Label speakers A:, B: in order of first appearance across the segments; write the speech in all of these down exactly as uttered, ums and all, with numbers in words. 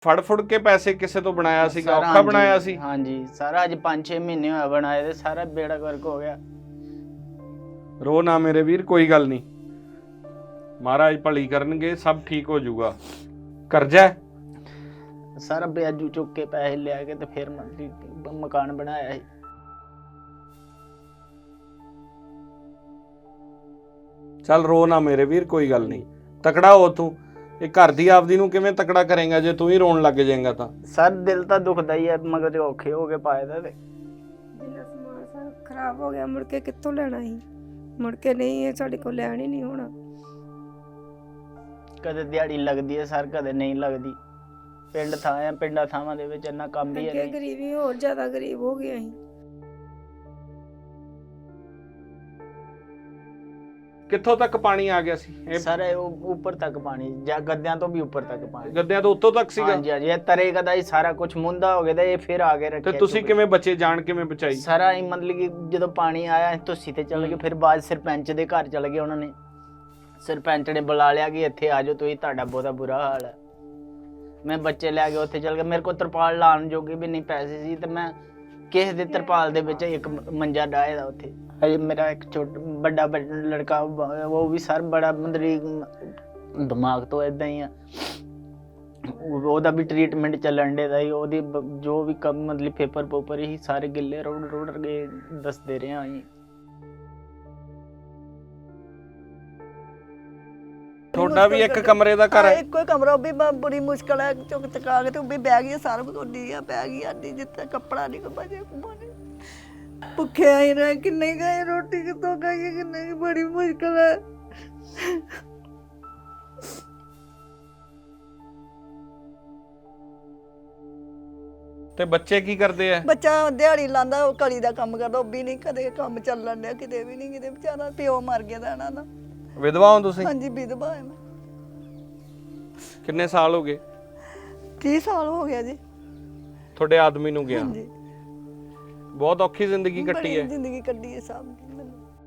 A: ਫੜ ਫੁੜ ਕੇ ਪੈਸੇ ਕਿਸੇ ਤੋਂ ਬਣਾਇਆ ਸੀਗਾ,
B: ਸਾਰਾ
A: ਔਖਾ
B: ਹਾਂਜੀ
A: ਬਣਾਇਆ ਸੀ।
B: ਹਾਂਜੀ ਸਾਰਾ ਅੱਜ ਪੰਜ ਛੇ ਮਹੀਨੇ ਹੋਇਆ ਬਣਾਏ ਤੇ ਸਾਰਾ ਬੇੜਾ ਗਰਕ ਹੋ ਗਿਆ।
A: ਰੋ ਨਾ ਮੇਰੇ ਵੀਰ, ਕੋਈ ਗੱਲ ਨਹੀਂ, ਮਹਾਰਾਜ ਭਲੀ ਕਰਨਗੇ, ਸਭ ਠੀਕ ਹੋ ਜਾਊਗਾ। ਕਰਜ਼ਾ ਹੈ?
B: ਸਾਰਾ ਵਿਆਜੂ ਚੁੱਕ ਕੇ ਪੈਸੇ ਲਿਆ ਕੇ ਤੇ ਫਿਰ ਮ- ਮਕਾਨ ਬਣਾਇਆ ਸੀ।
A: ਚੱਲ ਰੋ ਨਾ ਮੇਰੇ ਵੀਰ, ਕੋਈ ਗੱਲ ਨਹੀਂ, ਤਕੜਾ ਹੋ ਤੂੰ। ਇਹ ਘਰ ਦੀ ਆਪਦੀ ਨੂੰ ਕਿਵੇਂ ਤਕੜਾ ਕਰੇਗਾ ਜੇ ਤੂੰ ਹੀ ਰੋਣ ਲੱਗ ਜਾਏਗਾ ਤਾਂ?
B: ਸਰ ਦਿਲ ਤਾਂ ਦੁਖਦਾ ਹੀ ਹੈ, ਮਗਰ ਔਖੇ ਹੋ ਕੇ ਪਾਏ ਦਾ ਤੇ
C: ਜਿੰਨਾ ਸਮਾਨ ਸਾਰਾ ਖਰਾਬ ਹੋ ਗਿਆ, ਮੁੜ ਕੇ ਕਿੱਥੋਂ ਲੈਣਾ ਸੀ? ਮੁੜ ਕੇ ਨਹੀਂ, ਇਹ ਸਾਡੇ ਕੋਲ ਲੈਣ ਹੀ ਨਹੀਂ ਹੋਣਾ।
B: ਕਦੇ ਦਿਹਾੜੀ ਲੱਗਦੀ ਹੈ ਸਰ, ਕਦੇ ਨਹੀਂ ਲੱਗਦੀ। ਪਿੰਡ ਥਾਂ ਆ, ਪਿੰਡਾਂ ਥਾਵਾਂ ਦੇ ਵਿੱਚ ਇੰਨਾ ਕੰਮ ਵੀ ਹੈ
C: ਅੱਗੇ
B: ਨਹੀਂ।
C: ਗਰੀਬੀ ਹੋਰ ਜ਼ਿਆਦਾ ਗਰੀਬ ਹੋ ਗਏ ਅਸੀਂ।
A: ਕਿੱਥੋਂ ਤੱਕ ਪਾਣੀ ਆ ਗਿਆ ਸੀ? ਇਹ
B: ਸਰ ਇਹ ਉਹ ਉੱਪਰ ਤੱਕ ਪਾਣੀ, ਜਾਂ ਗੱਦਿਆਂ ਤੋਂ ਵੀ ਉੱਪਰ ਤੱਕ ਪਾਣੀ।
A: ਗੱਦਿਆਂ ਤੋਂ ਉੱਤੋਂ ਤੱਕ ਸੀਗਾ?
B: ਹਾਂਜੀ ਹਾਂਜੀ, ਇਹ ਤਰੇ ਕਦਾ ਹੀ ਸਾਰਾ ਕੁਝ ਮੁੰਦਾ ਹੋ ਗਿਆ ਤੇ ਇਹ ਫਿਰ ਆ ਕੇ
A: ਤੇ
B: ਰੱਖਿਆ।
A: ਤੁਸੀਂ ਕਿਵੇਂ ਬਚੇ? ਜਾਨ ਕਿਵੇਂ ਬਚਾਈ?
B: ਸਾਰਾ ਹੀ ਮਤਲਬ ਕਿ ਜਦੋਂ ਪਾਣੀ ਆਇਆ ਤੁਸੀਂ ਤੇ ਚਲੇ ਗਏ, ਫਿਰ ਬਾਅਦ ਸਰਪੰਚ ਦੇ ਘਰ ਚਲੇ ਗਏ। ਉਹਨਾਂ ਨੇ ਸਰਪੰਚ ਨੇ ਬੁਲਾ ਲਿਆ ਕਿ ਇੱਥੇ ਆ ਜਾਓ ਤੁਸੀਂ, ਤੁਹਾਡਾ ਬਹੁਤਾ ਬੁਰਾ ਹਾਲ ਹੈ। ਮੈਂ ਬੱਚੇ ਲੈ ਕੇ ਉੱਥੇ ਚਲ ਗਿਆ। ਮੇਰੇ ਕੋਲ ਤਰਪਾਲ ਲਾਉਣ ਜੋਗੇ ਵੀ ਨਹੀਂ ਪੈਸੇ ਸੀ ਤੇ ਮੈਂ ਕਿਸੇ ਦੇ ਤਰਪਾਲ ਦੇ ਵਿੱਚ ਇੱਕ ਮੰਜਾ ਡਾਏ ਦਾ ਉੱਥੇ। ਹਜੇ ਮੇਰਾ ਇੱਕ ਛੋਟਾ ਵੱਡਾ ਲੜਕਾ, ਉਹ ਵੀ ਸਰ ਬੜਾ ਮਤਲਬ ਦਿਮਾਗ ਤੋਂ ਇਦਾਂ ਹੀ ਆ, ਉਹਦਾ ਵੀ ਟ੍ਰੀਟਮੈਂਟ ਚੱਲਣ ਦੇ ਦਾ ਹੀ। ਉਹਦੀ ਜੋ ਵੀ ਕੰਮ ਮਤਲਬ ਪੇਪਰ ਪੋਪਰ ਹੀ ਸਾਰੇ ਗਿੱਲੇ ਰੋੜ ਰੋੜ ਕੇ ਦੱਸਦੇ ਰਹੇ ਆ ਜੀ।
A: ਤੁਹਾਡਾ ਵੀ ਇੱਕ ਕਮਰੇ ਦਾ ਘਰ ਹੈ?
D: ਇੱਕੋ ਹੀ ਕਮਰਾ, ਉਹ ਵੀ ਬ- ਬੜੀ ਮੁਸ਼ਕਲ ਹੈ, ਚੁੱਕ ਚੁਕਾ ਕੇ ਤੇ ਉਹ ਵੀ ਬਹਿ ਗਈ ਸਾਰਾ ਕੁਝ ਉੱਡੀ ਆ, ਪੈ ਗਈ ਆਂਦੀ ਜਿੱਥੇ ਕੱਪੜਾ ਨਹੀਂ ਕੋ ਬਜੇ ਕੁਮਾਨੇ। ਭੁੱਖੇ ਆਏ ਰਹੇ, ਕਿੰਨੇ ਗਏ, ਰੋਟੀ ਕਿੱਥੋਂ ਖਾਈਏ, ਕਿੰਨੇ ਕੀ, ਬੜੀ ਮੁਸ਼ਕਲ ਹੈ।
A: ਤੇ ਬੱਚੇ ਕੀ ਕਰਦੇ ਆ?
D: ਬੱਚਾ ਦਿਹਾੜੀ ਲਾਂਦਾ, ਉਹ ਕਲੀ ਦਾ ਕੰਮ ਕਰਦਾ, ਉਹ ਵੀ ਨਹੀਂ ਕਦੇ ਕੰਮ ਚੱਲਣ ਡਿਆ, ਕਿਤੇ ਵੀ ਨਹੀਂ, ਕਿਤੇ ਵਿਚਾਰਾ ਪਿਓ ਮਰ ਗਿਆ ਦਾ ਇਹਨਾਂ ਦਾ।
A: ਵਿਧਵਾ ਹੋ ਤੁਸੀਂ?
D: ਹਾਂਜੀ ਵਿਧਵਾ ਹੈ ਮੈਂ।
A: ਕਿੰਨੇ ਸਾਲ ਹੋ ਗਏ?
D: ਤੀਹ ਸਾਲ ਹੋ ਗਿਆ ਜੀ।
A: ਤੁਹਾਡੇ ਆਦਮੀ ਨੂੰ ਗਿਆ?
D: ਹਾਂਜੀ
A: ਬਹੁਤ ਔਖੀ ਜ਼ਿੰਦਗੀ ਕੱਟੀ
D: ਬੜੀ
A: ਹੈ।
D: ਜ਼ਿੰਦਗੀ ਕੱਢੀ ਹੈ ਸਭ ਮੈਨੂੰ।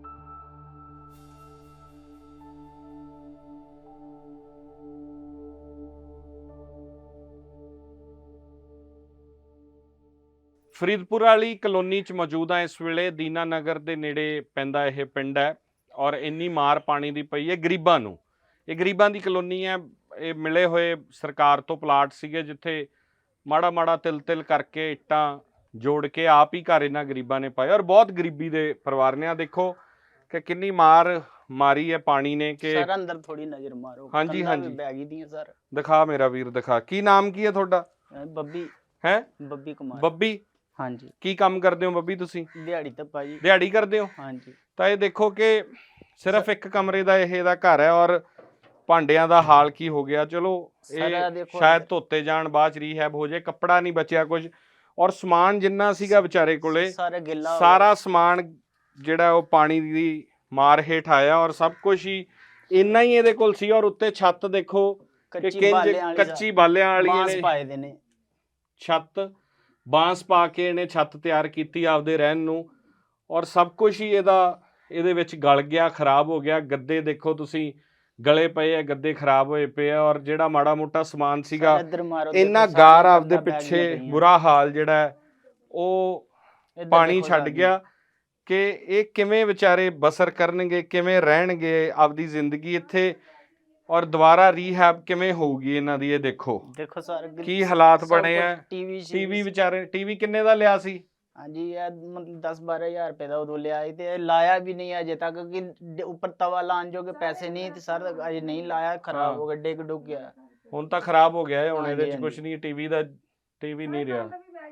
A: ਫਰੀਦਪੁਰ ਵਾਲੀ ਕਲੋਨੀ 'ਚ ਮੌਜੂਦ ਆ ਇਸ ਵੇਲੇ। ਦੀਨਾ ਨਗਰ ਦੇ ਨੇੜੇ ਪੈਂਦਾ ਇਹ ਪਿੰਡ ਹੈ ਔਰ ਇੰਨੀ ਮਾਰ ਪਾਣੀ ਦੀ ਪਈ ਹੈ ਗਰੀਬਾਂ ਨੂੰ। ਇਹ ਗਰੀਬਾਂ ਦੀ ਕਲੋਨੀ ਹੈ। ਇਹ ਮਿਲੇ ਹੋਏ ਸਰਕਾਰ ਤੋਂ ਪਲਾਟ ਸੀਗੇ ਜਿੱਥੇ ਮਾੜਾ ਮਾੜਾ ਤਿਲ ਤਿਲ ਕਰਕੇ ਇੱਟਾਂ ਜੋੜ ਕੇ ਆਪ ਹੀ ਘਰ ਇਹਨਾਂ ਗਰੀਬਾਂ ਨੇ ਪਾਏ ਔਰ ਬਹੁਤ ਗਰੀਬੀ ਦੇ ਪਰਿਵਾਰ ਨੇ। ਆ ਦੇਖੋ ਕਿ ਕਿੰਨੀ ਮਾਰ ਮਾਰੀ ਹੈ ਪਾਣੀ ਨੇ। ਕਿ
B: ਸਰ ਅੰਦਰ ਥੋੜੀ ਨਜ਼ਰ ਮਾਰੋ।
A: ਹਾਂਜੀ,
B: ਕੰਧਾਂ ਵੀ
A: ਹਾਂਜੀ।
B: ਬਹਿ ਗਈ ਦੀਆਂ ਸਰ।
A: ਦਿਖਾ ਮੇਰਾ ਵੀਰ, ਦਿਖਾ। ਕੀ ਨਾਮ ਕੀ ਹੈ ਤੁਹਾਡਾ?
B: ਅਹ ਬੱਬੀ
A: ਹੈ?
B: ਬੱਬੀ ਕੁਮਾਰ।
A: ਬੱਬੀ।
B: ਹਾਂਜੀ
A: ਕੀ ਕੰਮ ਕਰਦੇ ਹੋ ਬੱਬੀ ਤੁਸੀਂ?
B: ਦਿਹਾੜੀ ਤਾਂ ਭਾਜੀ।
A: ਦਿਹਾੜੀ ਕਰਦੇ ਹੋ?
B: ਹਾਂਜੀ
A: ਤਾਂ ਇਹ ਦੇਖੋ ਕਿ ਸਿਰਫ ਇੱਕ ਕਮਰੇ ਦਾ ਇਹ ਇਹਦਾ ਘਰ ਹੈ ਔਰ ਭਾਂਡਿਆਂ ਦਾ ਹਾਲ ਕੀ ਹੋ ਗਿਆ। ਚਲੋ
B: ਸਾਰਾ
A: ਇਹ
B: ਦੇਖੋ
A: ਸ਼ਾਇਦ ਧੋਤੇ ਜਾਣ, ਬਾਅਦ ਚ ਰੀਹੈਬ ਹੋ ਜਾਏ। ਕੱਪੜਾ ਨਹੀਂ ਬਚਿਆ ਕੁਝ ਔਰ ਸਮਾਨ ਜਿੰਨਾ ਸੀਗਾ ਵਿਚਾਰੇ ਕੋਲੇ
B: ਸਾਰਾ ਗਿੱਲਾ ਹੋ
A: ਸਾਰਾ ਸਮਾਨ ਜਿਹੜਾ ਉਹ ਪਾਣੀ ਦੀ ਮਾਰ ਹੇਠ ਆਇਆ ਔਰ ਸਭ ਕੁਝ ਹੀ ਇੰਨਾ ਹੀ ਇਹਦੇ ਕੋਲ ਸੀ। ਔਰ ਉੱਤੇ ਛੱਤ ਦੇਖੋ ਕਿ
B: ਕੱਚੀ
A: ਕਿੰਜ
B: ਬਾਲਿਆਂ ਵਾਲੀ
A: ਕੱਚੀ ਬਾਲਿਆਂ ਵਾਲੀ
B: ਬਾਂਸ
A: ਇਹਨੇ
B: ਪਾਏ ਦੇ ਨੇ।
A: ਛੱਤ ਬਾਂਸ ਪਾ ਕੇ ਇਹਨੇ ਛੱਤ ਤਿਆਰ ਕੀਤੀ ਆਪਦੇ ਰਹਿਣ ਨੂੰ ਔਰ ਸਭ ਕੁਝ ਹੀ ਇਹਦਾ ਇਹਦੇ ਵਿੱਚ ਗਲ ਗਿਆ, ਖਰਾਬ ਹੋ ਗਿਆ। ਗੱਦੇ ਦੇਖੋ ਤੁਸੀਂ ਗਲੇ ਪਏ ਆ, ਗੱਦੇ ਖਰਾਬ ਹੋਏ ਪਏ ਆ ਔਰ ਜਿਹੜਾ ਮਾੜਾ ਮੋਟਾ ਸਮਾਨ ਸੀਗਾ
B: ਇੱਧਰ ਮਾਰੋ,
A: ਇੰਨਾ
B: ਦੇਖੋ
A: ਗਾਰ
B: ਸਾਰੀਆਂ
A: ਆਪਦੇ
B: ਕੰਧਾਂ ਬਹਿ
A: ਪਿੱਛੇ
B: ਗਈਆਂ ਪਈਆਂ।
A: ਬੁਰਾ ਹਾਲ ਜਿਹੜਾ ਹੈ ਉਹ
B: ਇੱਧਰ
A: ਪਾਣੀ
B: ਦੇਖੋ
A: ਛੱਡ
B: ਸਾਰੀ।
A: ਗਿਆ ਕਿ ਇਹ ਕਿਵੇਂ ਵਿਚਾਰੇ ਬਸਰ ਕਰਨਗੇ, ਕਿਵੇਂ ਰਹਿਣਗੇ ਆਪਦੀ ਜ਼ਿੰਦਗੀ ਇੱਥੇ ਔਰ ਦੁਬਾਰਾ ਰੀਹੈਬ ਕਿਵੇਂ ਹੋਊਗੀ ਇਹਨਾਂ ਦੀ। ਇਹ ਦੇਖੋ
B: ਦੇਖੋ ਸਰ
A: ਕੀ ਹਾਲਾਤ ਬਣੇ ਆ।
B: ਟੀਵੀ
A: ਟੀਵੀ ਵਿਚਾਰੇ, ਟੀਵੀ ਕਿੰਨੇ ਦਾ ਲਿਆ ਸੀ?
B: ਹਾਂਜੀ ਇਹ ਮਤਲਬ ਦਸ ਬਾਰਾਂ ਹਜ਼ਾਰ ਰੁਪਏ ਦਾ ਉਦੋਂ ਲਿਆ ਸੀ ਤੇ ਇਹ ਲਾਇਆ ਵੀ ਨਹੀਂ ਅਜੇ ਤੱਕ ਕਿ ਡ- ਉੱਪਰ ਤਵਾ ਲਾਉਣ ਜੋਗੇ ਪੈਸੇ ਨਹੀਂ ਤੇ ਸਰ ਅਜੇ ਨਹੀਂ ਲਾਇਆ। ਖਰਾਬ ਹੋ ਗਿਆ, ਡਿੱਗ ਡੁੱਗ ਗਿਆ।
A: ਹੁਣ ਤਾਂ ਖਰਾਬ ਹੋ ਗਿਆ ਹੈ। ਹੁਣ ਇਹਦੇ
B: ਹਾਂਜੀ,
A: ਚ ਕੁਝ
B: ਹਾਂਜੀ।
A: ਨਹੀਂ, ਟੀਵੀ ਦਾ ਟੀਵੀ ਨਹੀਂ ਰਿਹਾ।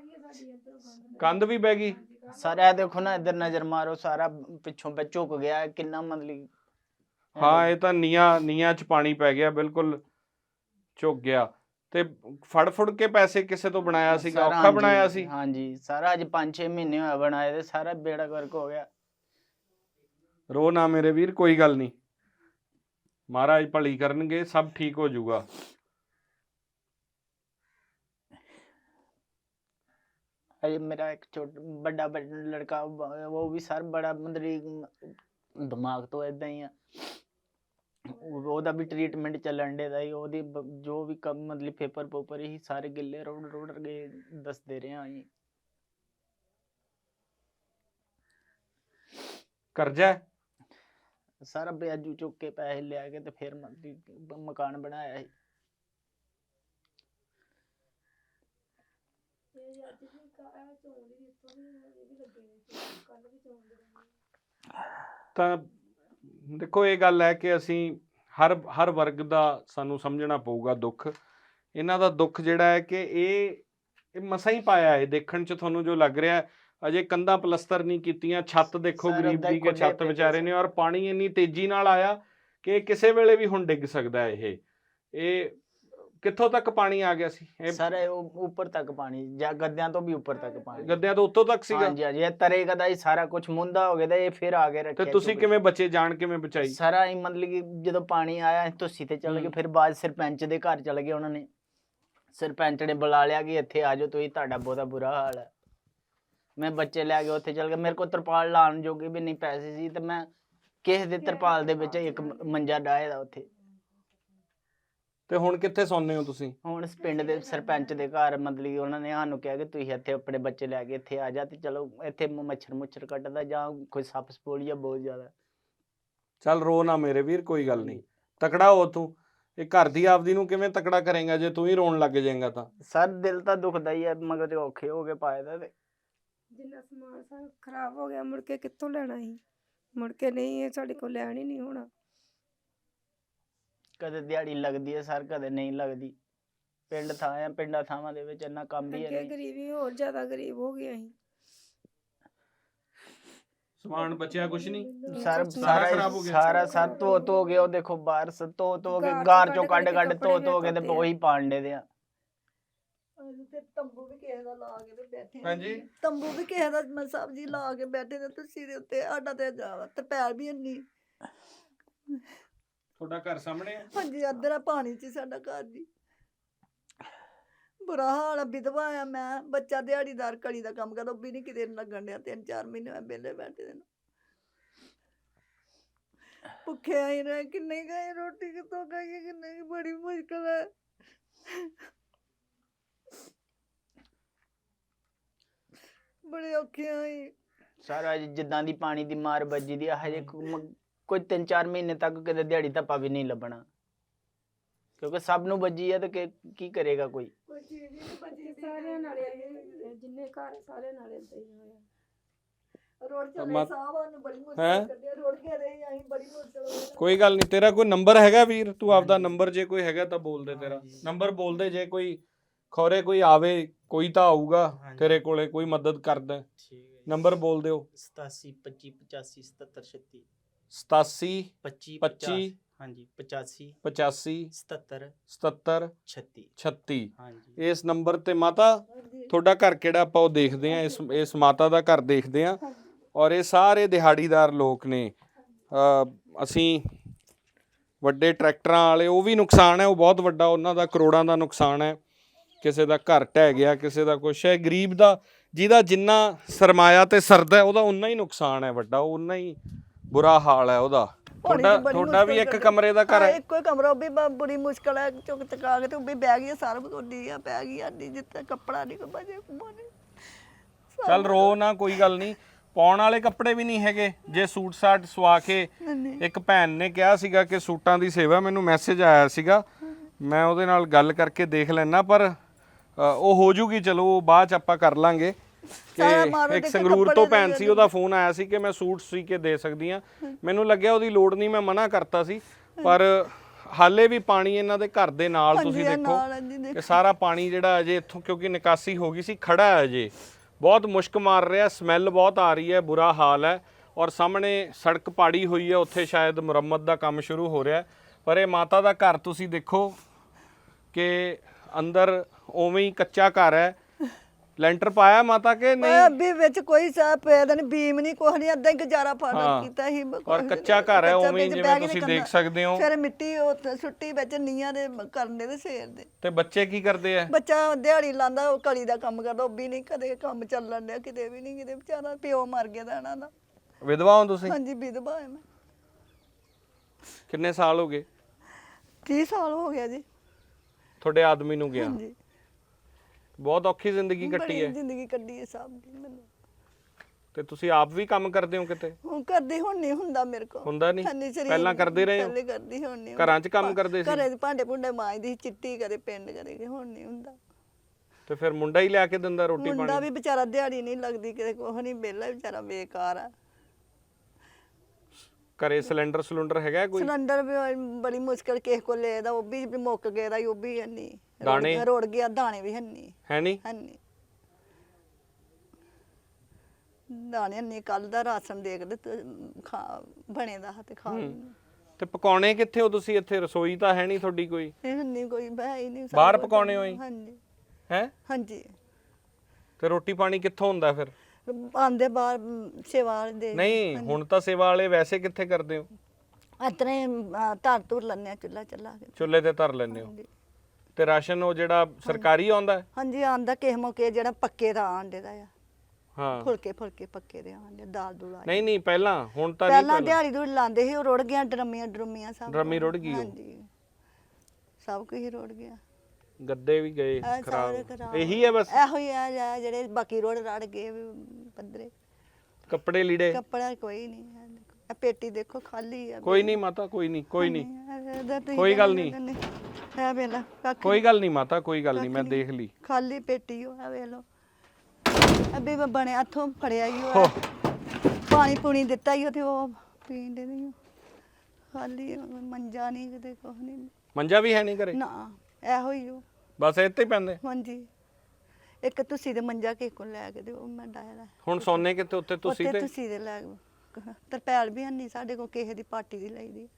A: ਕੰਧ ਵੀ ਬਹਿ ਗਈ।
B: ਸਰ ਇਹ ਦੇਖੋ ਨਾ, ਇੱਧਰ ਨਜ਼ਰ ਮਾਰੋ, ਸਾਰਾ ਪਿੱਛੋਂ ਪੈ ਝੁਕ ਗਿਆ ਕਿੰਨਾ ਮਤਲਬ।
A: ਹਾਂ ਇਹ ਤਾਂ ਨੀਆਂ ਨੀਆਂ ਚ ਪਾਣੀ ਪੈ ਗਿਆ, ਬਿਲਕੁਲ ਝੁਕ ਗਿਆ। ਤੇ ਫੜ ਫੁੜ ਕੇ ਪੈਸੇ ਕਿਸੇ ਤੋਂ ਬਣਾਇਆ ਸੀਗਾ,
B: ਸਰ
A: ਔਖਾ
B: ਹਾਂਜੀ,
A: ਬਣਾਇਆ ਸੀ।
B: ਹਾਂਜੀ ਸਾਰਾ ਅੱਜ ਪੰਜ ਛੇ ਮਹੀਨੇ ਹੋਇਆ ਬਣਾਏ ਤੇ ਸਾਰਾ ਬੇੜਾ ਗਰਕ ਹੋ ਗਿਆ।
A: ਰੋ ਨਾ ਮੇਰੇ ਵੀਰ, ਕੋਈ ਗੱਲ ਨਹੀਂ, ਮਹਾਰਾਜ ਭਲੀ ਕਰਨਗੇ, ਸਭ ਠੀਕ ਹੋ ਜਾਊਗਾ।
B: ਹਜੇ ਮੇਰਾ ਇੱਕ ਛੋਟਾ ਵੱਡਾ ਲੜਕਾ, ਉਹ ਵੀ ਸਰ ਬੜਾ ਮਤਲਬ ਦਿਮਾਗ ਤੋਂ ਇਦਾਂ ਹੀ ਆ, ਉਹ- ਉਹਦਾ ਵੀ ਟ੍ਰੀਟਮੈਂਟ ਚੱਲਣ ਦੇ ਦਾ ਹੀ ਉਹਦੀ ਬ- ਜੋ ਵੀ ਕੰਮ ਮਤਲਬ ਪੇਪਰ ਪੋਪਰ ਹੀ ਸਾਰੇ ਗਿੱਲੇ ਰੋੜ ਰੋੜ ਗਏ ਦੱਸਦੇ ਰਹੇ ਆ ਜੀ।
A: ਕਰਜ਼ਾ ਹੈ?
B: ਸਾਰਾ ਵਿਆਜੂ ਚੁੱਕ ਕੇ ਪੈਸੇ ਲਿਆ ਕੇ ਤੇ ਫਿਰ ਮਤਲਬ ਮਕਾਨ ਬਣਾਇਆ ਸੀ।
A: ਤਾਂ ਦੇਖੋ ਇਹ ਗੱਲ ਹੈ ਕਿ ਅਸੀਂ ਹਰ ਹਰ ਵਰਗ ਦਾ ਸਾਨੂੰ ਸਮਝਣਾ ਪਊਗਾ ਦੁੱਖ। ਇਹਨਾਂ ਦਾ ਦੁੱਖ ਜਿਹੜਾ ਹੈ ਕਿ ਇਹ ਇਹ ਮਸਾਂ ਹੀ ਪਾਇਆ ਹੈ। ਦੇਖਣ 'ਚ ਤੁਹਾਨੂੰ ਜੋ ਲੱਗ ਰਿਹਾ ਅਜੇ ਕੰਧਾਂ ਪਲਸਤਰ ਨਹੀਂ ਕੀਤੀਆਂ, ਛੱਤ ਦੇਖੋ
B: ਸਰ,
A: ਗਰੀਬ
B: ਓਦਾਂ ਹੀ
A: ਦੀ ਕਿ
B: ਖੁੱਲੇ
A: ਛੱਤ
B: ਪਏ
A: ਵਿਚਾਰੇ
B: ਸੀ।
A: ਨੇ, ਔਰ ਪਾਣੀ ਇੰਨੀ ਤੇਜ਼ੀ ਨਾਲ ਆਇਆ ਕਿ ਕਿਸੇ ਵੇਲੇ ਵੀ ਹੁਣ ਡਿੱਗ ਸਕਦਾ ਇਹ ਇਹ ਕਿੱਥੋਂ ਤੱਕ ਪਾਣੀ ਆ ਗਿਆ ਸੀ? ਇਹ
B: ਸਰ ਇਹ ਉ- ਉੱਪਰ ਤੱਕ ਪਾਣੀ ਜਾਂ ਗੱਦਿਆਂ ਤੋਂ ਵੀ ਉੱਪਰ ਤੱਕ ਪਾਣੀ।
A: ਗੱਦਿਆਂ ਤੋਂ ਉੱਤੋਂ ਤੱਕ ਸੀਗਾ?
B: ਹਾਂਜੀ ਹਾਂਜੀ ਇਹ ਤਰੇਗਾ ਦਾ ਹੀ ਸਾਰਾ ਕੁਝ ਮੁੰਦਾ ਹੋ ਗਿਆ ਤੇ ਇਹ ਫਿਰ ਆ ਕੇ
A: ਤੇ
B: ਰੱਖਿਆ।
A: ਤੁਸੀਂ ਕਿਵੇਂ ਬਚੇ? ਜਾਨ ਕਿਵੇਂ ਬਚਾਈ?
B: ਸਾਰਾ ਹੀ ਮਤਲਬ ਕਿ ਜਦੋਂ ਪਾਣੀ ਆਇਆ ਅਸੀਂ ਧੁੱਸੀ ਤੇ ਚਲੇ ਗਏ,
A: ਹੂੰ।
B: ਫਿਰ ਬਾਅਦ ਸਰਪੰਚ ਦੇ ਘਰ ਚਲੇ ਗਏ। ਉਹਨਾਂ ਨੇ ਸਰਪੰਚ ਨੇ ਬੁਲਾ ਲਿਆ ਕਿ ਇੱਥੇ ਆ ਜਾਓ ਤੁਸੀਂ, ਤੁਹਾਡਾ ਬਹੁਤਾ ਬੁਰਾ ਹਾਲ ਹੈ। ਮੈਂ ਬੱਚੇ ਲੈ ਕੇ ਉੱਥੇ ਚਲ ਗਿਆ। ਮੇਰੇ ਕੋਲ ਤਰਪਾਲ ਲਾਉਣ ਜੋਗੇ ਵੀ ਨਹੀਂ ਪੈਸੇ ਸੀ ਤੇ ਮੈਂ ਕਿਸੇ ਦੇ ਤਰਪਾਲ ਦੇ ਵਿੱਚ ਇੱਕ ਮ- ਮੰਜਾ ਡਾਇਆ ਦਾ ਉੱਥੇ।
A: ਤੇ ਹੁਣ ਕਿੱਥੇ ਸੌਂਦੇ ਹੋ ਤੁਸੀਂ?
B: ਹੁਣ ਇਸ ਪਿੰਡ ਦੇ ਸਰਪੰਚ ਦੇ ਘਰ ਮਤਲਬ ਕਿ ਉਹਨਾਂ ਨੇ ਸਾਨੂੰ ਕਿਹਾ ਕਿ ਤੁਸੀਂ ਇੱਥੇ ਆਪਣੇ ਬੱਚੇ ਲੈ ਕੇ ਇੱਥੇ ਆ ਜਾ ਤੇ ਚਲੋ ਇੱਥੇ ਮ- ਮੱਛਰ ਮੁੱਛਰ ਕੱਟਦਾ ਜਾਂ ਕੋਈ ਸੱਪ ਸਪੋਲੀਆ ਬਹੁਤ ਜ਼ਿਆਦਾ।
A: ਚੱਲ ਰੋ ਨਾ ਮੇਰੇ ਵੀਰ, ਕੋਈ ਗੱਲ ਨਹੀਂ, ਤਕੜਾ ਹੋ ਤੂੰ। ਇਹ ਘਰ ਦੀ ਆਪਦੀ ਨੂੰ ਕਿਵੇਂ ਤਕੜਾ ਕਰੇਗਾ ਜੇ ਤੂੰ ਹੀ ਰੋਣ ਲੱਗ ਜਾਏਗਾ ਤਾਂ?
B: ਸਰ ਦਿਲ ਤਾਂ ਦੁਖਦਾ ਹੀ ਹੈ, ਮਗਰ ਤੇ ਔਖੇ ਹੋ ਕੇ ਪਾਏ ਦਾ ਤੇ
C: ਜਿੰਨਾ ਸਮਾਨ ਸਾਰਾ ਖਰਾਬ ਹੋ ਗਿਆ, ਮੁੜ ਕੇ ਕਿੱਥੋਂ ਲੈਣਾ ਸੀ? ਮੁੜ ਕੇ ਨਹੀਂ, ਇਹ ਸਾਡੇ ਕੋਲ ਲੈਣ ਹੀ ਨਹੀਂ ਹੋਣਾ।
B: ਕਦੇ ਦਿਹਾੜੀ ਲੱਗਦੀ ਹੈ ਸਰ, ਕਦੇ ਨਹੀਂ ਲੱਗਦੀ। ਪਿੰਡ ਥਾਂ ਆ, ਪਿੰਡਾਂ ਥਾਵਾਂ ਦੇ ਵਿੱਚ ਇੰਨਾ ਕੰਮ ਵੀ ਹੈ
C: ਅੱਗੇ
B: ਨਹੀਂ।
C: ਗਰੀਬੀ ਹੋਰ ਜ਼ਿਆਦਾ ਗਰੀਬ ਹੋ ਗਏ ਅਸੀਂ।
A: ਸਮਾਨ ਬਚਿਆ ਕੁਛ ਨਹੀਂ?
B: ਸਰ
C: ਸਾਰਾ
B: ਸਾਰਾ
A: ਖਰਾਬ ਹੋ
B: ਹੀ-
A: ਗਿਆ।
B: ਸਾਰਾ ਸਰ ਧੋ ਧੋ ਕੇ ਉਹ ਦੇਖੋ ਬਾਹਰ ਸ ਧੋ ਧੋ ਕੇ
C: ਗਾਰ
B: ਗਾਰ
C: ਚੋਂ
B: ਚੋਂ ਕੱਢ
C: ਕੱਢ
B: ਕੱਢ
C: ਕੇ
B: ਧੋ ਧੋ
C: ਕੱਪੜੇ
B: ਕੇ ਤੇ
C: ਧੋਤੇ ਆ।
B: ਉਹੀ ਪਾਂਡੇ ਦੇ ਆ।
D: ਅਸੀਂ ਤੇ ਤੰਬੂ ਵੀ ਕਿਸੇ ਦਾ ਲਾ ਕੇ ਤੇ ਬੈਠੇ ਹਾਂ।
A: ਹਾਂਜੀ।
D: ਤੰਬੂ ਵੀ ਕਿਸੇ ਦਾ ਮੈਂ ਸਬਜ਼ੀ ਲਾ ਕੇ ਬੈਠੇ ਨੇ ਤੁਸੀਂ ਦੇ ਉੱਤੇ ਸਾਡਾ ਤੇ ਜਾਵਾ ਤੇ ਪੈਰ ਵੀ ਇੰਨੀ।
A: ਤੁਹਾਡਾ ਘਰ ਸਾਹਮਣੇ ਹੈ?
D: ਹਾਂਜੀ ਅੱਧਰਾ ਪਾਣੀ ਚ ਹੀ ਸਾਡਾ ਘਰ ਜੀ। ਬੁਰਾ ਹਾਲ ਆ, ਵਿਧਵਾ ਆ ਮੈਂ, ਬੱਚਾ ਦਿਹਾੜੀਦਾਰ ਕਲੀ ਦਾ ਕੰਮ ਕਰਦਾ, ਉਹ ਵੀ ਨਹੀਂ ਕਿਤੇ ਲੱਗਣ ਡਿਆ। ਤਿੰਨ ਚਾਰ ਮਹੀਨੇ ਮੈਂ ਵਿਹਲੇ ਬੈਠੇ ਦੇ ਨੂੰ। ਭੁੱਖੇ ਆਈ ਰਹੇ, ਕਿੰਨੇ ਗਏ ਰੋਟੀ ਕਿੱਥੋਂ ਖਾਈਏ, ਕਿੰਨੇ ਕੀ ਬੜੀ ਮੁਸ਼ਕਲ ਹੈ। ਬੜੇ ਔਖੇ ਆਈ।
B: ਸਾਰਾ ਜਿੱਦਾਂ ਦੀ ਪਾਣੀ ਦੀ ਮਾਰ ਵੱਜੀ ਦੀ ਆ, ਹਜੇ ਕੋ- ਮ- ਕੋਈ ਤਿੰਨ ਚਾਰ ਮਹੀਨੇ ਤੱਕ ਕਿਤੇ ਦਿਹਾੜੀ ਧੱਪਾ ਵੀ ਨਹੀਂ ਲੱਭਣਾ, ਕਿਉਂਕਿ ਸਭ ਨੂੰ ਵੱਜੀ ਆ ਤੇ ਕਿ- ਕੀ ਕਰੇਗਾ ਕੋਈ।
D: ਕੋਈ ਚੀਜ਼ ਹੀ ਨਹੀਂ ਬਚੀ।
C: ਸਾਰਿਆਂ ਨਾਲ ਇਹ- ਜਿੰਨੇ ਘਰ ਸਾਰਿਆਂ ਨਾਲ ਏਦਾਂ ਹੀ ਹੋਇਆ।
D: ਰੋਡ ਚਲੇ
A: ਮਤ-
D: ਸਾਹਬਾਂ ਨੂੰ ਬੜੀ
A: ਹੈਂ?
D: ਮੁਸ਼ਕਲ ਕੱਢਿਆ, ਰੋਡ ਕੇ ਰਹੇ ਅਸੀਂ ਬੜੀ ਮੁਸ਼ਕਲ ਹੋਈ।
A: ਕੋਈ ਗੱਲ ਨਹੀਂ, ਤੇਰਾ ਕੋਈ ਨੰਬਰ ਹੈਗਾ ਵੀਰ? ਤੂੰ ਆਪਦਾ ਨੰਬਰ ਜੇ ਕੋਈ ਹੈਗਾ ਤਾਂ ਬੋਲ ਦੇ। ਤੇਰਾ ਨੰਬਰ ਬੋਲ ਦੇ, ਜੇ ਕੋਈ ਖੌਰੇ ਕੋਈ ਆਵੇ, ਕੋਈ ਤਾਂ ਆਊਗਾ ਤੇਰੇ ਕੋਲੇ, ਕੋਈ ਮਦਦ ਕਰਦਾ।
B: ਠੀਕ ਹੈ।
A: ਨੰਬਰ ਬੋਲ ਦਿਓ।
B: ਸਤਾਸੀ ਪੱਚੀ ਪਚਾਸੀ ਸਤੱਤਰ ਛੱਤੀ
A: ਸਤਾਸੀ
B: ਪੱਚੀ
A: ਪੱਚੀ
B: ਹਾਂਜੀ ਪਚਾਸੀ
A: ਪਚਾਸੀ
B: ਸਤੱਤਰ
A: ਸਤੱਤਰ
B: ਛੱਤੀ
A: ਛੱਤੀ।
B: ਹਾਂਜੀ।
A: ਇਸ ਨੰਬਰ ਤੇ ਮਾਤਾ ਤੁਹਾਡਾ ਘਰ ਕਿਹੜਾ, ਆਪਾਂ ਉਹ ਦੇਖਦੇ ਆ। ਇਸ ਇਸ ਮਾਤਾ ਦਾ ਘਰ ਦੇਖਦੇ ਆ। ਔਰ ਇਹ ਸਾਰੇ ਦਿਹਾੜੀਦਾਰ ਲੋਕ ਨੇ। ਅ, ਅਸੀਂ ਵੱਡੇ ਟਰੈਕਟਰਾਂ ਵਾਲੇ, ਉਹ ਵੀ ਨੁਕਸਾਨ ਹੈ, ਉਹ ਬਹੁਤ ਵੱਡਾ, ਉਹਨਾਂ ਦਾ ਕਰੋੜਾਂ ਦਾ ਨੁਕਸਾਨ ਹੈ। ਕਿਸੇ ਦਾ ਘਰ ਢਹਿ ਗਿਆ, ਕਿਸੇ ਦਾ ਕੁਛ ਹੈ। ਗਰੀਬ ਦਾ ਜਿਹਦਾ ਜਿੰਨਾ ਸਰਮਾਇਆ ਤੇ ਸਰਦਾ ਉਹਦਾ ਉਨਾ ਹੀ ਨੁਕਸਾਨ ਹੈ ਵੱਡਾ, ਉਨਾ ਹੀ ਬੁਰਾ ਹਾਲ ਹੈ ਉਹਦਾ। ਤੁਹਾਡਾ ਤੁਹਾਡਾ ਵੀ ਇੱਕ ਕਮਰੇ ਦਾ ਘਰ ਹੈ?
D: ਇੱਕੋ ਹੀ ਕਮਰਾ, ਉਹ ਵੀ ਬ- ਬੜੀ ਮੁਸ਼ਕਲ ਹੈ। ਚੁੱਕ ਚਕਾ ਕੇ ਤੇ ਉਹ ਵੀ ਬਹਿ ਗਈ ਸਾਰਾ ਬਗੋਡੀ ਆ, ਪੈ ਗਈ ਆਡੀ ਜਿੱਤੇ ਕੱਪੜਾ ਨਹੀਂ ਕੋਈ ਬਜੇ ਕੁਮਾਨੇ।
A: ਚੱਲ ਰੋ ਨਾ, ਕੋਈ ਗੱਲ ਨਹੀਂ। ਪਾਉਣ ਵਾਲੇ ਕੱਪੜੇ ਵੀ ਨਹੀਂ ਹੈਗੇ? ਜੇ ਸੂਟ ਸਾਟ ਸਵਾ ਕੇ, ਇੱਕ ਭੈਣ ਨੇ ਕਿਹਾ ਸੀਗਾ ਕਿ ਸੂਟਾਂ ਦੀ ਸੇਵਾ, ਮੈਨੂੰ ਮੈਸੇਜ ਆਇਆ ਸੀਗਾ, ਮੈਂ ਉਹਦੇ ਨਾਲ ਗੱਲ ਕਰਕੇ ਦੇਖ ਲੈਣਾ, ਪਰ ਅ, ਉਹ ਹੋ ਜੂਗੀ। ਚਲੋ ਉਹ ਬਾਅਦ ਚ ਆਪਾਂ ਕਰ ਲਾਂਗੇ। ਕਿ ਇੱਕ ਸੰਗਰੂਰ ਤੋਂ ਭੈਣ ਸੀ, ਉਹਦਾ ਫੋਨ ਆਇਆ ਸੀ ਕਿ ਮੈਂ ਸੂਟ ਸੀ ਕੇ ਦੇ ਸਕਦੀ ਆ। ਮੈਨੂੰ ਲੱਗਿਆ ਉਹਦੀ ਲੋੜ ਨਹੀਂ, ਮੈਂ ਮਨਾ ਕਰਤਾ ਸੀ। ਪਰ ਹਾਲੇ ਵੀ ਪਾਣੀ ਇਹਨਾਂ ਦੇ ਘਰ ਦੇ ਨਾਲ, ਤੁਸੀਂ ਦੇਖੋ ਕਿ ਸਾਰਾ ਪਾਣੀ ਜਿਹੜਾ ਅਜੇ ਇੱਥੋਂ, ਕਿਉਂਕਿ ਨਿਕਾਸੀ ਹੋ ਗਈ ਸੀ, ਖੜਾ ਹੈ ਅਜੇ, ਬਹੁਤ ਮੁਸ਼ਕ ਮਾਰ ਰਿਹਾ, ਸਮੈਲ ਬਹੁਤ ਆ ਰਹੀ ਹੈ, ਬੁਰਾ ਹਾਲ ਹੈ। ਔਰ ਸਾਹਮਣੇ ਸੜਕ ਪਾੜੀ ਹੋਈ ਹੈ, ਉੱਥੇ ਸ਼ਾਇਦ ਮੁਰੰਮਤ ਦਾ ਕੰਮ ਸ਼ੁਰੂ ਹੋ ਰਿਹਾ। ਪਰ ਇਹ ਮਾਤਾ ਦਾ ਘਰ ਤੁਸੀਂ ਦੇਖੋ ਕਿ ਅੰਦਰ ਉਵੇਂ ਹੀ ਕੱਚਾ ਘਰ ਹੈ। ਲੈਂਟਰ ਪਾਇਆ ਮਾਤਾ ਕੇ ਨਹੀਂ?
D: ਅੱਬੀ ਵਿੱਚ ਕੋਈ ਸਾਹ ਪੈਦਾ ਨਹੀਂ, ਬੀਮ ਨਹੀਂ, ਕੁਛ ਨਹੀਂ, ਅੱਧਾ ਹੀ ਗੁਜ਼ਾਰਾ ਫਾੜਾ ਕੀਤਾ ਸੀ।
A: ਔਰ ਕੱਚਾ ਘਰ ਹੈ, ਉਵੇਂ ਜਿਵੇਂ ਤੁਸੀਂ ਦੇਖ ਸਕਦੇ ਹੋ।
D: ਫਿਰ ਮਿੱਟੀ ਉਹ ਸੁੱਟੀ ਵਿੱਚ ਨੀਆਂ ਦੇ ਕਰਨੇ ਦੇ ਸੇਰ ਦੇ।
A: ਤੇ ਬੱਚੇ ਕੀ ਕਰਦੇ ਆ?
D: ਬੱਚਾ ਦਿਹਾੜੀ ਲਾਂਦਾ, ਉਹ ਕਲੀ ਦਾ ਕੰਮ ਕਰਦਾ, ਉਹ ਵੀ ਨਹੀਂ ਕਦੇ ਕੰਮ ਚੱਲਣ ਡਿਆ, ਕਿਤੇ ਵੀ ਨਹੀਂ, ਕਿਤੇ ਵਿਚਾਰਾ ਪਿਓ ਮਰ ਗਿਆ ਦਾ ਇਹਨਾਂ ਦਾ।
A: ਵਿਧਵਾ ਹੋ ਤੁਸੀਂ?
D: ਹਾਂਜੀ ਵਿਧਵਾ ਹੈ ਮੈਂ।
A: ਕਿੰਨੇ ਸਾਲ ਹੋ ਗਏ
D: ਤੀਹ ਸਾਲ ਹੋ ਗਿਆ ਜੀ।
A: ਤੁਹਾਡੇ ਆਦਮੀ ਨੂੰ ਗਿਆ?
D: ਹਾਂਜੀ
A: ਬਹੁਤ ਔਖੀ ਜ਼ਿੰਦਗੀ ਕੱਟੀ
D: ਬੜੀ
A: ਹੈ।
D: ਜ਼ਿੰਦਗੀ ਕੱਢੀ ਹੈ ਸਭ ਦੀ ਮੈਨੂੰ।
A: ਤੇ ਤੁਸੀਂ ਆਪ ਵੀ ਕੰਮ ਕਰਦੇ ਹੋ ਕਿਤੇ?
D: ਹੁਣ ਕਰਦੀ ਹੁਣ ਨਹੀਂ ਹੁੰਦਾ ਮੇਰੇ ਕੋਲ।
A: ਹੁੰਦਾ ਨਹੀਂ?
D: ਹਾਂਜੀ, ਸਰੀਰ
A: ਪਹਿਲਾਂ ਕਰਦੇ ਰਹੇ ਹੋ?
D: ਪਹਿਲੇ ਕਰਦੀ ਹੁਣ ਨਹੀਂ।
A: ਘਰਾਂ 'ਚ ਕੰਮ ਕਰਦੇ ਸੀ?
D: ਘਰੇ ਦੇ ਭਾਂਡੇ ਭੁੰਡੇ ਮਾਂਜਦੀ, ਚਿੱਟੀ ਕਰੇ, ਪਿੰਡ ਕਰੇ, ਹੁਣ ਨਹੀਂ ਹੁੰਦਾ।
A: ਤੇ ਫਿਰ ਮੁੰਡਾ ਹੀ ਲਿਆ ਕੇ ਦਿੰਦਾ ਰੋਟੀ
D: ਮੁੰਡਾ
A: ਪਾਣੀ?
D: ਵੀ ਵਿਚਾਰਾ ਦਿਹਾੜੀ ਨਹੀਂ ਲੱਗਦੀ ਕਿਤੇ, ਕੁਛ ਨਹੀਂ, ਵਿਹਲਾ ਵਿਚਾਰਾ ਬੇਕਾਰ ਆ।
A: ਘਰੇ ਸਿਲੰਡਰ ਸਿਲੰਡਰ ਹੈਗਾ ਕੋਈ?
D: ਸਿਲੰਡਰ ਵੀ ਬੜੀ ਮੁਸ਼ਕਲ ਕਿਸੇ ਕੋਲ ਲੈਦਾ, ਉਹ ਵੀ ਮੁੱਕ ਗਿਆ ਦਾ, ਉਹ ਵੀ ਹੰਨੀ।
A: ਦਾਣੇ?
D: ਰੋੜ ਗਿਆ, ਦਾਣੇ ਵੀ ਹੰਨੀ।
A: ਹੈ ਨਹੀਂ?
D: ਹੰਨੀ ਦਾਣੇ ਹੰਨੀ। ਕੱਲ ਦਾ ਰਾਸ਼ਨ ਦੇਖਦੇ ਤੇ ਖਾ ਬਣੇ ਦਾ ਤੇ ਖਾ ਲੈਂਦੇ।
A: ਤੇ ਪਕਾਉਣੇ ਕਿੱਥੇ ਹੋ ਤੁਸੀਂ? ਇੱਥੇ ਰਸੋਈ ਤਾਂ ਹੈ ਨਹੀਂ ਤੁਹਾਡੀ ਕੋਈ?
D: ਇਹ ਹੰਨੀ ਕੋਈ ਬਹਿ ਹੀ ਨਹੀਂ।
A: ਬਾਹਰ ਪਕਾਉਣੇ ਹੋਈ?
D: ਹਾਂਜੀ
A: ਹੈ?
D: ਹਾਂਜੀ।
A: ਤੇ ਰੋਟੀ ਪਾਣੀ ਕਿੱਥੋਂ ਹੁੰਦਾ ਫਿਰ?
D: ਆਂਦੇ ਬਾਹਰ ਸੇਵਾ ਵਾਲੇ ਦੇ।
A: ਨਹੀਂ, ਹੁਣ ਤਾਂ ਸੇਵਾ ਵਾਲੇ ਵੈਸੇ ਕਿੱਥੇ ਕਰਦੇ ਹੋ?
D: ਇਤਨੇ ਧਰ ਧੁਰ ਲੈਂਦੇ ਆ, ਚੁੱਲਾ ਚੱਲਾ ਕੇ।
A: ਚੁੱਲ੍ਹੇ ਤੇ ਧਰ ਲੈਂਦੇ ਹੋ?
D: ਹਾਂਜੀ।
A: ਤੇ ਰਾਸ਼ਨ ਉਹ ਜਿਹੜਾ ਸਰਕਾਰੀ ਆਉਂਦਾ ਹੈ?
D: ਹਾਂਜੀ ਆਂਦਾ ਕਿਸੇ ਮੌਕੇ, ਜਿਹੜਾ ਪੱਕੇ ਦਾ ਆਂਡੇ ਦਾ ਆ।
A: ਹਾਂ।
D: ਫੁਲਕੇ ਫੁਲਕੇ ਪੱਕੇ ਦੇ ਆਂਡੇ, ਦਾਲ ਦੂਲ ਆ।
A: ਨਹੀਂ ਨਹੀਂ, ਪਹਿਲਾਂ ਹੁਣ ਤਾਂ ਨਹੀਂ।
D: ਪਹਿਲਾਂ ਦਿਹਾੜੀ ਦੂੜ ਲਾਉਂਦੇ ਸੀ, ਉਹ ਰੁੜ ਗਿਆ। ਡਰਮੀਆਂ ਡਰਮੀਆਂ ਸਭ
A: ਡਰਮੀ ਰੁੜ ਗਈ ਉਹ?
D: ਹਾਂਜੀ ਸਭ ਕੁਝ ਹੀ ਰੁੜ ਗਿਆ।
A: ਗੱਦੇ ਵੀ ਗਏ
D: ਇਹ ਸਾਰੇ
A: ਖਰਾਬ।
D: ਖਰਾਬ।
A: ਇਹੀ ਹੈ ਬਸ?
D: ਇਹੋ ਹੀ ਆ ਜਾ- ਜਿਹੜੇ ਬਾਕੀ ਰੋੜ ਰੜ ਗਏ ਵੀ ਪੱਧਰੇ।
A: ਕੱਪੜੇ ਲੀੜੇ?
D: ਕੱਪੜਾ ਕੋਈ ਨਹੀਂ। ਇਹ ਪੇਟੀ ਦੇਖੋ ਖਾਲੀ ਆ।
A: ਕੋਈ ਨਹੀਂ ਮਾਤਾ, ਕੋਈ ਨਹੀਂ, ਕੋਈ ਨਹੀਂ,
D: ਇਹਦਾ ਤੁਸੀਂ
A: ਕੋਈ ਗੱਲ ਨਹੀਂ।
D: ਇਹ ਵੇਲਾ ਕੱਖ
A: ਕੋਈ ਗੱਲ ਨਹੀਂ ਮਾਤਾ, ਕੋਈ ਗੱਲ ਨਹੀਂ, ਮੈਂ ਦੇਖ ਲਈ।
D: ਖਾਲੀ ਪੇਟੀ ਉਹ, ਇਹ ਵੇ ਲੋ। ਅੱਬੇ ਬਣਿਆ ਇੱਥੋਂ ਫੜਿਆ ਹੀ ਉਹ, ਪਾਣੀ ਪੂਣੀ ਦਿੱਤਾ ਹੀ ਉਹ, ਤੇ ਉਹ ਪੀਣ ਦੇ ਨਹੀਂ। ਖਾਲੀ ਮੰਜਾ ਨਹੀਂ ਕਿਤੇ, ਕੁਛ ਨਹੀਂ।
A: ਮੰਜਾ ਵੀ ਹੈ ਨਹੀਂ ਘਰੇ?
D: ਨਾ ਇਹੋ ਹੀ ਉਹ।
A: ਬਸ ਇੱਥੇ ਹੀ ਪੈਂਦੇ?
D: ਹਾਂਜੀ ਇੱਕ ਤੁਸੀਂ ਦੇ ਮੰਜਾ ਕਿਸੇ ਕੋਲ ਲੈ ਕੇ ਤੇ ਉਹ ਮੈਂ ਡਾਇਆ।
A: ਹੁਣ ਸੌਨੇ ਕਿੱਥੇ? ਉੱਤੇ ਤੁਸੀਂ
D: ਉੱਤੇ
A: ਤੇ?
D: ਤੁਸੀਂ ਦੇ ਲੈ ਤਰਪੈਲ ਵੀ ਨਹੀਂ ਸਾਡੇ ਕੋਲ, ਕਿਸੇ ਦੀ ਪਾਰਟੀ ਦੀ ਲਈ ਦੀ।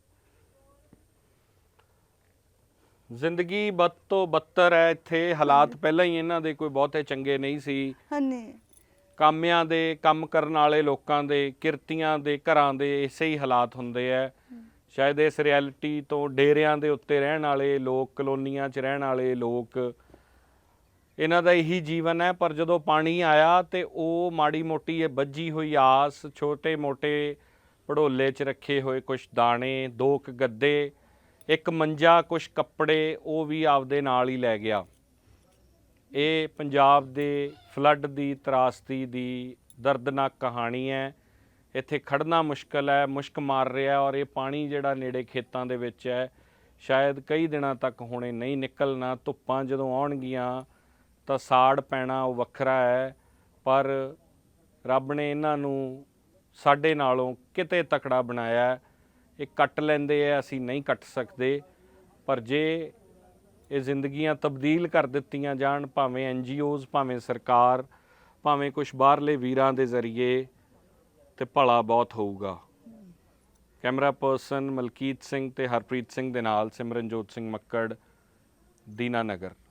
A: ਜ਼ਿੰਦਗੀ ਬਦ ਤੋਂ ਬੱਤਰ ਹੈ ਇੱਥੇ। ਹਾਲਾਤ ਪਹਿਲਾਂ ਹੀ ਇਹਨਾਂ ਦੇ ਕੋਈ ਬਹੁਤੇ ਚੰਗੇ ਨਹੀਂ ਸੀ।
D: ਹਾਂਜੀ
A: ਕਾਮਿਆਂ ਦੇ, ਕੰਮ ਕਰਨ ਵਾਲੇ ਲੋਕਾਂ ਦੇ, ਕਿਰਤੀਆਂ ਦੇ ਘਰਾਂ ਦੇ ਇਸੇ ਹੀ ਹਾਲਾਤ ਹੁੰਦੇ ਆ। ਸ਼ਾਇਦ ਇਸ ਰਿਐਲਿਟੀ ਤੋਂ ਡੇਰਿਆਂ ਦੇ ਉੱਤੇ ਰਹਿਣ ਵਾਲੇ ਲੋਕ, ਕਲੋਨੀਆਂ 'ਚ ਰਹਿਣ ਵਾਲੇ ਲੋਕ, ਇਹਨਾਂ ਦਾ ਇਹੀ ਜੀਵਨ ਹੈ। ਪਰ ਜਦੋਂ ਪਾਣੀ ਆਇਆ ਤੇ ਉਹ ਮਾੜੀ ਮੋਟੀ ਇਹ ਬੱਝੀ ਹੋਈ ਆਸ, ਛੋਟੇ ਮੋਟੇ ਭੜੋਲੇ 'ਚ ਰੱਖੇ ਹੋਏ ਕੁਛ ਦਾਣੇ, ਦੋ ਕੁ ਗੱਦੇ, ਇੱਕ ਮੰਜਾ, ਕੁਛ ਕੱਪੜੇ, ਉਹ ਵੀ ਆਪਦੇ ਨਾਲ ਹੀ ਲੈ ਗਿਆ। ਇਹ ਪੰਜਾਬ ਦੇ ਫਲੱਡ ਦੀ, ਤਰਾਸਦੀ ਦੀ ਦਰਦਨਾਕ ਕਹਾਣੀ ਹੈ। ਇੱਥੇ ਖੜਨਾ ਮੁਸ਼ਕਲ ਹੈ, ਮੁਸ਼ਕ ਮਾਰ ਰਿਹਾ, ਔਰ ਇਹ ਪਾਣੀ ਜਿਹੜਾ ਨੇੜੇ ਖੇਤਾਂ ਦੇ ਵਿੱਚ ਹੈ, ਸ਼ਾਇਦ ਕਈ ਦਿਨਾਂ ਤੱਕ ਹੁਣੇ ਨਹੀਂ ਨਿਕਲਣਾ। ਧੁੱਪਾਂ ਜਦੋਂ ਆਉਣਗੀਆਂ ਤਾਂ ਸਾੜ ਪੈਣਾ ਉਹ ਵੱਖਰਾ ਹੈ, ਪਰ ਰੱਬ ਨੇ ਇਹਨਾਂ ਨੂੰ ਸਾਡੇ ਨਾਲੋਂ ਕਿਤੇ ਤਕੜਾ ਬਣਾਇਆ। ਇਹ ਕੱਟ ਲੈਂਦੇ ਆ, ਅਸੀਂ ਨਹੀਂ ਕੱਟ ਸਕਦੇ। ਪਰ ਜੇ ਇਹ ਜ਼ਿੰਦਗੀਆਂ ਤਬਦੀਲ ਕਰ ਦਿੱਤੀਆਂ ਜਾਣ, ਭਾਵੇਂ ਐਨ ਜੀ ਓਜ਼, ਭਾਵੇਂ ਸਰਕਾਰ, ਭਾਵੇਂ ਕੁਛ ਬਾਹਰਲੇ ਵੀਰਾਂ ਦੇ ਜ਼ਰੀਏ, ਤੇ ਭਲਾ ਬਹੁਤ ਹੋਊਗਾ। ਕੈਮਰਾ ਪਰਸਨ ਮਲਕੀਤ ਸਿੰਘ ਤੇ ਹਰਪ੍ਰੀਤ ਸਿੰਘ ਦੇ ਨਾਲ ਸਿਮਰਨਜੋਤ ਸਿੰਘ ਮੱਕੜ, ਦੀਨਾਨਗਰ।